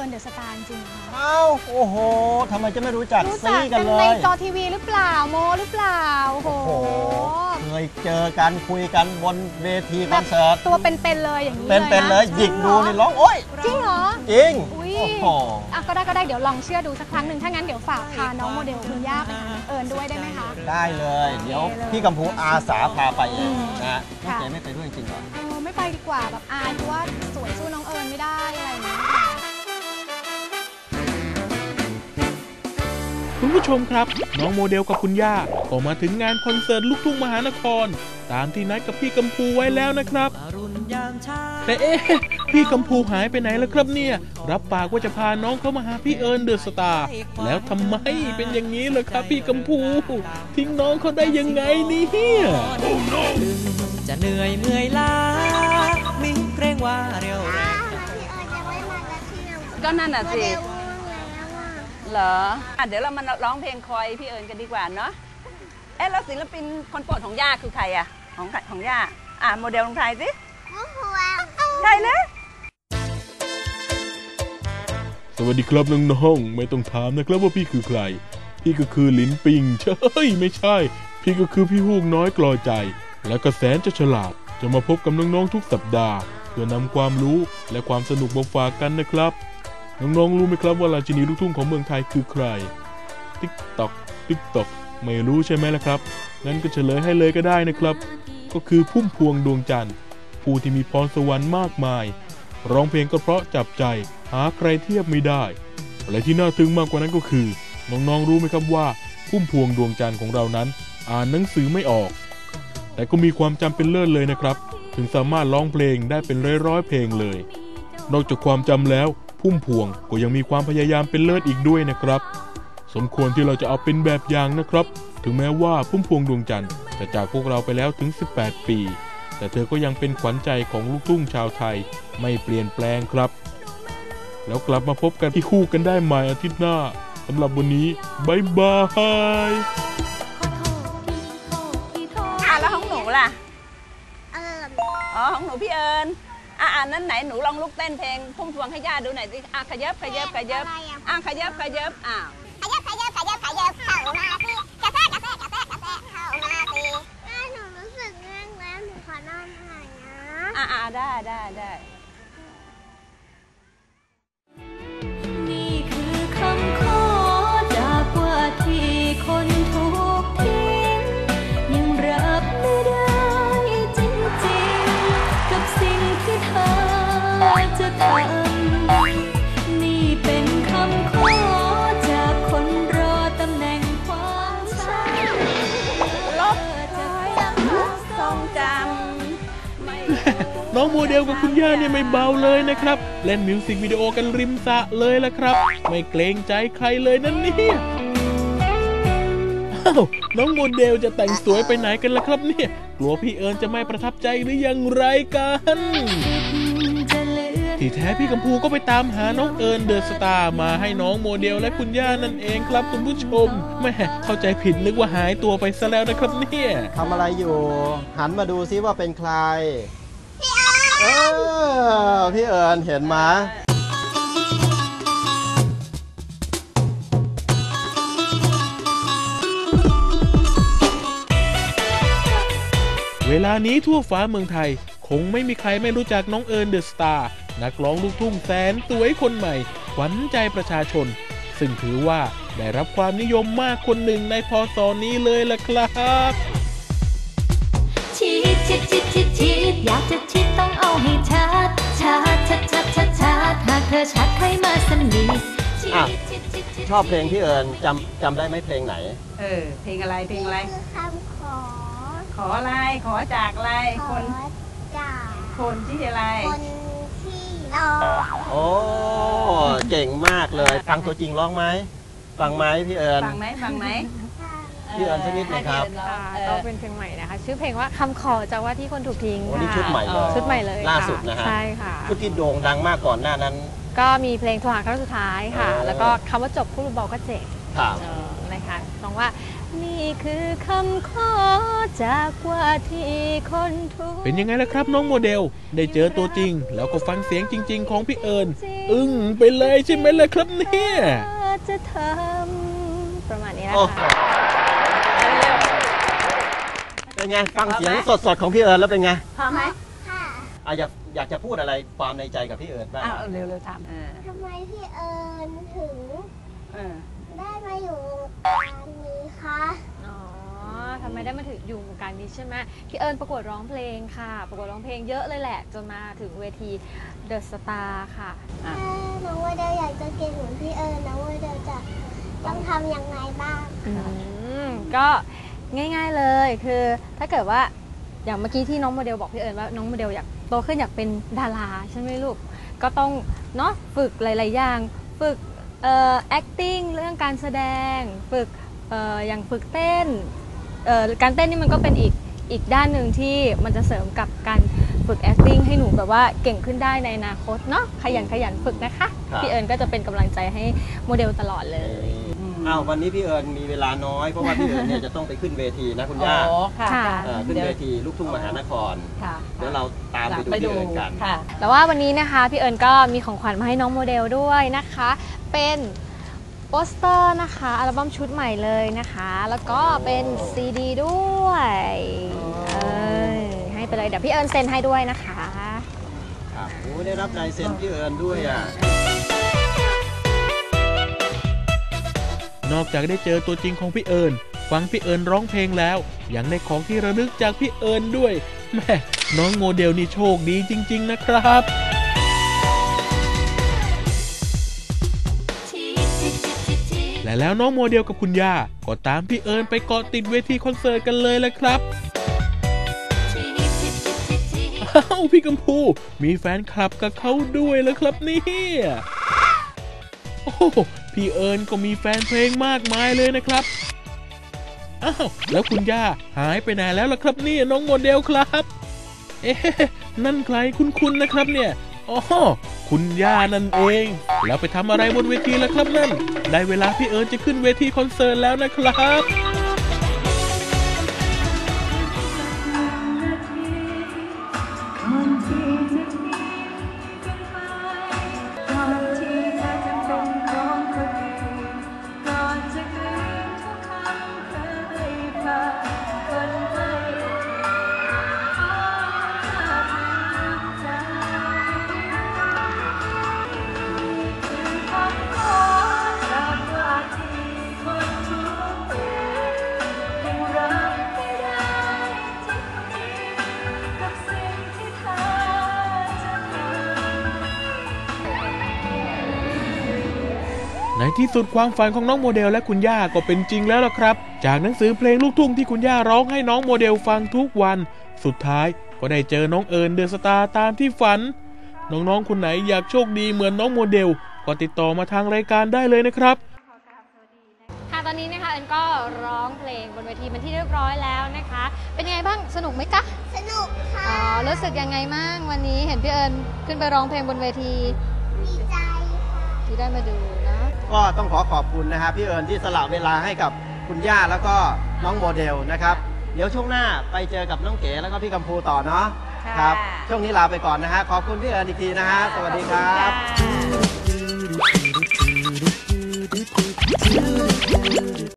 อิญเดอะสตาร์จริงค่ะอ้าวโอ้โหทำไมจะไม่รู้จักซีกันเลยในจอทีวีหรือเปล่าโมหรือเปล่าโอ้โหเคยเจอกันคุยกันบนเวทีคอนเสิร์ตตัวเป็นๆเลยอย่างนี้เป็นเลยหยิกดูนี่ร้องโอ๊ยจริงเหรอจริงโอ้โหก็ได้เดี๋ยวลองเชื่อดูสักครั้งหนึ่งถ้างั้นเดี๋ยวฝากพาน้องโมเดลคุณย่าไปหาเอิญด้วยได้ไหมคะได้เลยเดี๋ยวพี่กัมพูอาสาพาไปเองนะน้องเจไม่ไปด้วยจริงเหรอไม่ไปดีกว่าแบบอายเพราะว่าสวยสู้น้องเอิญไม่ได้อะไรอย่างเงี้ยคุณผู้ชมครับน้องโมเดลกับคุณย่าก็มาถึงงานคอนเสิร์ตลูกทุ่งมหานครตามที่นัดกับพี่กัมพูไว้แล้วนะครับแต่พี่กัมพูหายไปไหนแล้วครับเนี่ยรับปากว่าจะพาน้องเข้ามาหาพี่เอิญเดอะสตาร์แล้วทำไมเป็นอย่างนี้ล่ะครับพี่กัมพูทิ้งน้องเขาได้ยังไงเนี่ยจะเหนื่อยล้ามีเกรงว่าเร็วก็นั่นน่ะสิเหรอเดี๋ยวเรามาร้องเพลงคอยพี่เอิญกันดีกว่าเนาะแล้วศิลปินคนโปรดของย่าคือใครอะของย่าโมเดลของใครสิใครนะสวัสดีครับน้องๆไม่ต้องถามนะครับว่าพี่คือใครพี่ก็คือลิ้นปิงใช่ไม่ใช่พี่ก็คือพี่ฮูกน้อยกลอยใจและก็แสนจะฉลาดจะมาพบกับน้องๆทุกสัปดาห์เพื่อนำความรู้และความสนุกมาฝากกันนะครับน้องๆรู้ไหมครับว่าราชินีลูกทุ่งของเมืองไทยคือใครติ๊กตอกไม่รู้ใช่ไหมล่ะครับงั้นก็เฉลยให้เลยก็ได้นะครับก็คือพุ่มพวงดวงจันทร์ผู้ที่มีพรสวรรค์มากมายร้องเพลงก็เพราะจับใจหาใครเทียบไม่ได้และที่น่าทึ่งมากกว่านั้นก็คือน้องๆรู้ไหมครับว่าพุ่มพวงดวงจันทร์ของเรานั้นอ่านหนังสือไม่ออกแต่ก็มีความจำเป็นเลิศเลยนะครับถึงสามารถร้องเพลงได้เป็นร้อยเพลงเลยนอกจากความจำแล้วพุ่มพวงก็ยังมีความพยายามเป็นเลิศอีกด้วยนะครับสมควรที่เราจะเอาเป็นแบบอย่างนะครับถึงแม้ว่าพุ่มพวงดวงจันทร์จะจากพวกเราไปแล้วถึง18ปีแต่เธอก็ยังเป็นขวัญใจของลูกทุ่งชาวไทยไม่เปลี่ยนแปลงครับแล้วกลับมาพบกันที่คู่กันได้ใหม่อาทิตย์หน้าสำหรับวันนี้บ๊ายบายแล้วของหนูล่ะของหนูพี่เอิญนั้นไหนหนูลองลุกเต้นเพลงพุ่มพวงให้ย่าดูหน่อยสิขยับขยับเข้ามาสิกระแทกเข้ามาสิหนูรู้สึกง่วงแล้วหนูขอนอนหน่อยนะได้นี่คือคำขอจากว่าที่คนถูกทิ้งยังรับไม่ได้จริงๆกับสิ่งที่เธอจะทำนี่เป็นคำขอจากคนรอตำแหน่งความชังลบทรงจำน้องโมเดลกับคุณย่าเนี่ยไม่เบาเลยนะครับเล่นมิวสิกวิดีโอกันริมสระเลยล่ะครับไม่เกรงใจใครเลยนั่นเนี่ยน้องโมเดลจะแต่งสวยไปไหนกันล่ะครับเนี่ยกลัวพี่เอิญจะไม่ประทับใจหรือยังไรกันที่แท้พี่กัมพูก็ไปตามหาน้องเอิญเดอะสตาร์มาให้น้องโมเดลและคุณย่านั่นเองครับคุณผู้ชมแม่เข้าใจผิดนึกว่าหายตัวไปซะแล้วนะครับเนี่ยทำอะไรอยู่หันมาดูซิว่าเป็นใครพี่เอิญเห็นไหมเวลานี้ทั่วฟ้าเมืองไทยคงไม่มีใครไม่รู้จักน้องเอิญเดอะสตาร์นักร้องลูกทุ่งแสนสวยคนใหม่ขวัญใจประชาชนซึ่งถือว่าได้รับความนิยมมากคนหนึ่งในพ.ศ.นี้เลยล่ะครับชิดอยากจะชิดต้องเอาให้ชัดหากเธอชัดใครมาสนิทชอบเพลงพี่เอิญจำได้ไหมเพลงไหนเพลงอะไรคำขออะไรขอจากอะไรคนที่อะไรคนที่รอโอ้เก่งมากเลยฟังตัวจริงร้องไหมฟังไหมพี่เอิญฟังไหมพี่เอิญสักนิดหนึ่งครับก็เป็นเพลงใหม่นะคะชื่อเพลงว่าคำขอจากว่าที่คนถูกทิ้งค่ะนี่ชุดใหม่เลยล่าสุดนะฮะใช่ค่ะชุดที่โด่งดังมากก่อนหน้านั้นก็มีเพลงโทรหาครั้งสุดท้ายค่ะแล้วก็คำว่าจบพูดเบาก็เจ็บนะคะร้องว่านี่นี่คือคำขอจากว่าที่คนทุกเป็นยังไงล่ะครับน้องโมเดลได้เจอตัวจริง แล้วก็ฟังเสียงจริง ๆ ของพี่เอิญอึ้งไปเลยใช่ไหมล่ะครับเนี่ยจะทำประมาณนี้นะโอ้คะเป็นไงฟังเสียงสดๆของพี่เอิญแล้วเป็นไงพอไหมอยากจะพูดอะไรความในใจกับพี่เอิญบ้างอ้าวเร็วๆถามทำไมพี่เอิญถึงเออได้มาอยู่วงการนี้คะอ๋อทำไมได้มาถึงอยู่วงการนี้ใช่ไหมพี่เอิญประกวดร้องเพลงค่ะ ประกวดร้องเพลงเยอะเลยแหละ จนมาถึงเวที The Star ค่ะถ้าน้องว่าเดลอยากจะเก่งเหมือนพี่เอิญน้องว่าเดลจะต้องทำยังไงบ้างก็ง่ายๆเลยคือถ้าเกิดว่าอย่างเมื่อกี้ที่น้องโมเดลบอกพี่เอิญว่าน้องโมเดลอยากโตขึ้นอยากเป็นดาราใช่ไหมลูกก็ต้องเนาะฝึกหลายๆอย่างฝึกacting เรื่องการแสดงฝึกอย่างฝึกเต้นการเต้นนี่มันก็เป็นอีกด้านหนึ่งที่มันจะเสริมกับการฝึก acting ให้หนูแบบว่าเก่งขึ้นได้ในอนาคตเนาะขยันฝึกนะคะพี่เอิญก็จะเป็นกำลังใจให้โมเดลตลอดเลยอ้าววันนี้พี่เอิญมีเวลาน้อยเพราะว่าพี่เอิญเนี่ยจะต้องไปขึ้นเวทีนะคุณย่าอ๋อค่ะค่ะขึ้นเวทีลูกทุ่งมหานครค่ะเดี๋ยวเราตามไปดูพี่เอิญกันค่ะแต่ว่าวันนี้นะคะพี่เอิญก็มีของขวัญมาให้น้องโมเดลด้วยนะคะ เป็นโปสเตอร์นะคะอัลบั้มชุดใหม่เลยนะคะ แล้วก็เป็นซีดีด้วยให้ไปเลยเดี๋ยวพี่เอิญเซ็นให้ด้วยนะคะครับโอ้ได้รับลายเซ็นพี่เอิญด้วยอ่ะนอกจากได้เจอตัวจริงของพี่เอิญฟังพี่เอิญร้องเพลงแล้วยังได้ของที่ระลึกจากพี่เอิญด้วยแม่น้องโมเดลนี่โชคดีจริง ๆนะครับ และแล้วน้องโมเดลกับคุณย่าก็ตามพี่เอิญไปเกาะติดเวทีคอนเสิร์ตกันเลยแหละครับอ้าวพี่กัมพูมีแฟนคลับกับเขาด้วยแล้วครับเนี่ยโอ้พี่เอิญก็มีแฟนเพลงมากมายเลยนะครับอ้าวแล้วคุณย่าหายไปไหนแล้วล่ะครับเนี่ยน้องโมเดลครับเอ๊ะนั่นใครคุ้นๆนะครับเนี่ยอ๋อคุณย่านั่นเองแล้วไปทำอะไรบนเวทีล่ะครับนั่นได้เวลาพี่เอิญจะขึ้นเวทีคอนเสิร์ตแล้วนะครับ ในที่สุดความฝันของน้องโมเดลและคุณย่าก็เป็นจริงแล้วล่ะครับจากหนังสือเพลงลูกทุ่งที่คุณย่าร้องให้น้องโมเดลฟังทุกวันสุดท้ายก็ได้เจอน้องเอิญเดอะสตาร์ตามที่ฝันน้องๆคนไหนอยากโชคดีเหมือนน้องโมเดลก็ติดต่อมาทางรายการได้เลยนะครับค่ะตอนนี้นะคะเอิญก็ร้องเพลงบนเวทีเป็นที่เรียบร้อยแล้วนะคะเป็นยังไงบ้างสนุกไหมคะสนุกค่ะอ๋อรู้สึกยังไงบ้างวันนี้เห็นพี่เอิญขึ้นไปร้องเพลงบนเวทีดีใจค่ะที่ได้มาดูนะก็ต้องขอบคุณนะครับพี่เอิญที่สละเวลาให้กับคุณย่าแล้วก็น้องโมเดลนะครับเดี๋ยวช่วงหน้าไปเจอกับน้องเก๋แล้วก็พี่กัมพูต่อเนาะครับช่วงนี้ลาไปก่อนนะฮะขอบคุณพี่เอิญอีกทีนะฮะสวัสดีครับ